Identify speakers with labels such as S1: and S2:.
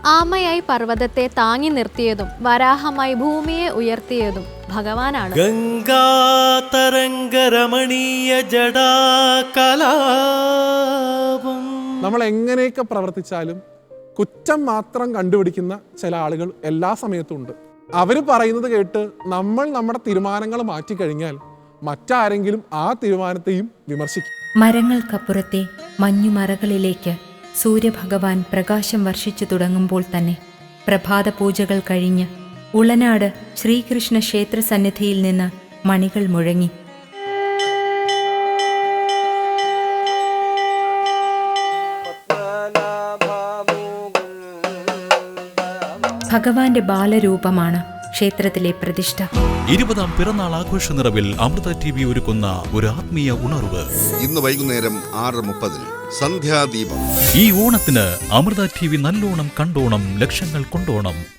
S1: ആമയായി പർവ്വതത്തെ താങ്ങി നിർത്തിയതും വരാഹമായി ഭൂമിയെ ഉയർത്തിയതും ഭഗവാനാണ്.
S2: ഗംഗാതരംഗരമണീയ ജടാകലാപം.
S3: നമ്മൾ എങ്ങനെയൊക്കെ പ്രവർത്തിച്ചാലും കുറ്റം മാത്രം കണ്ടുപിടിക്കുന്ന ചില ആളുകൾ എല്ലാ സമയത്തും ഉണ്ട്. അവർ പറയുന്നത് കേട്ട് നമ്മൾ നമ്മുടെ തീരുമാനങ്ങൾ മാറ്റിക്കഴിഞ്ഞാൽ മറ്റാരെങ്കിലും ആ തീരുമാനത്തെയും വിമർശിക്കും.
S4: മരങ്ങൾക്കപ്പുറത്തെ മഞ്ഞുമറകളിലേക്ക് സൂര്യഭഗവാൻ പ്രകാശം വർഷിച്ചു തുടങ്ങുമ്പോൾ തന്നെ പ്രഭാത പൂജകൾ കഴിഞ്ഞ് ഉളനാട് ശ്രീകൃഷ്ണ ക്ഷേത്ര സന്നിധിയിൽ നിന്ന് മണികൾ മുഴങ്ങി. ഭഗവാന്റെ ബാലരൂപമാണ് ക്ഷേത്രത്തിലെ പ്രതിഷ്ഠ.
S5: 20ാം പിറന്നാൾ ആഘോഷ നിറവിൽ അമൃത TV ഒരുക്കുന്ന ഒരു ആത്മീയ ഉണർവ്.
S6: ഇന്ന് വൈകുന്നേരം 6:30 സന്ധ്യാദീപം.
S5: ഈ ഓണത്തിന് അമൃത TV നല്ലോണം കണ്ടോണം, ലക്ഷങ്ങൾ കൊണ്ടോണം.